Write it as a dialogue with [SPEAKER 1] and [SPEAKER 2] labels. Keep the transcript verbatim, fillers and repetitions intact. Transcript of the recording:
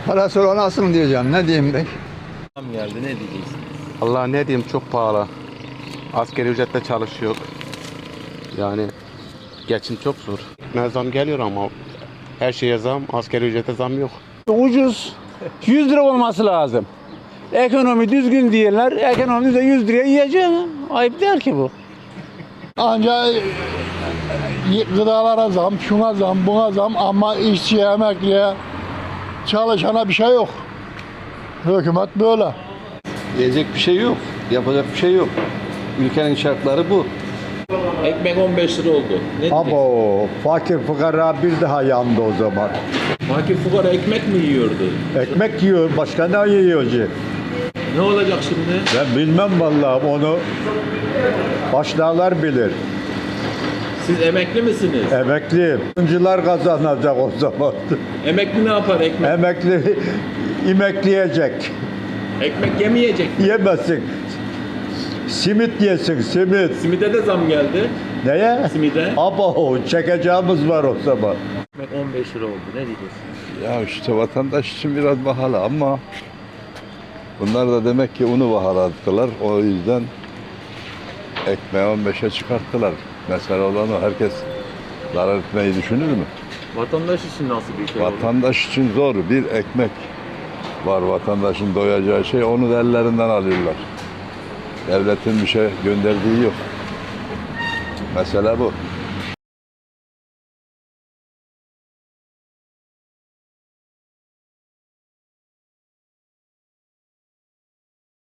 [SPEAKER 1] Parası olan alsın diyeceğim. Ne diyeyim ben?
[SPEAKER 2] Tam geldi, ne diyeceksin?
[SPEAKER 3] Allah ne diyeyim, çok pahalı. Asgari ücretle çalışıyor. Yani geçim çok zor. Ne zam geliyor ama her şeye zam, asgari ücrete zam yok.
[SPEAKER 4] Ucuz. yüz lira olması lazım. Ekonomi düzgün diyorlar. Ekonomi de yüz liraya yiyeceğim. Ayıp değil ki bu.
[SPEAKER 5] Ancak gıdalara zam, şuna zam, buna zam ama işçiye, emekliye, çalışana bir şey yok. Hükümet böyle.
[SPEAKER 6] Diyecek bir şey yok, yapacak bir şey yok. Ülkenin şartları bu.
[SPEAKER 2] Ekmek on beş lira oldu. Ne diyeceksin?
[SPEAKER 7] Abo, fakir fukara bir daha yandı o zaman.
[SPEAKER 2] Fakir fukara ekmek mi yiyordu?
[SPEAKER 7] Ekmek yiyor, başka ne yiyor ki?
[SPEAKER 2] Ne olacak şimdi?
[SPEAKER 7] Ben bilmem vallahi onu. Başlarlar bilir.
[SPEAKER 2] Siz emekli misiniz?
[SPEAKER 7] Emekliyim. Oyuncular kazanacak o zaman.
[SPEAKER 2] Emekli ne yapar ekmek?
[SPEAKER 7] Emekli imekleyecek.
[SPEAKER 2] Ekmek yemeyecek mi?
[SPEAKER 7] Yemesin. Simit yesin, simit.
[SPEAKER 2] Simide de zam geldi.
[SPEAKER 7] Neye?
[SPEAKER 2] Simide.
[SPEAKER 7] Abo, çekeceğimiz var o zaman.
[SPEAKER 2] Ekmek on beş lira oldu. Ne diyeceksin?
[SPEAKER 8] Ya işte vatandaş için biraz pahalı ama bunlar da demek ki unu bahalattılar. O yüzden ekmeği on beşe çıkarttılar. Mesela olan o, herkes zarar etmeyi düşünür mü?
[SPEAKER 2] Vatandaş için nasıl bir şey oldu?
[SPEAKER 8] Vatandaş için zor. Bir ekmek var vatandaşın doyacağı şey. Onu da ellerinden alıyorlar. Devletin bir şey gönderdiği yok. Mesela bu.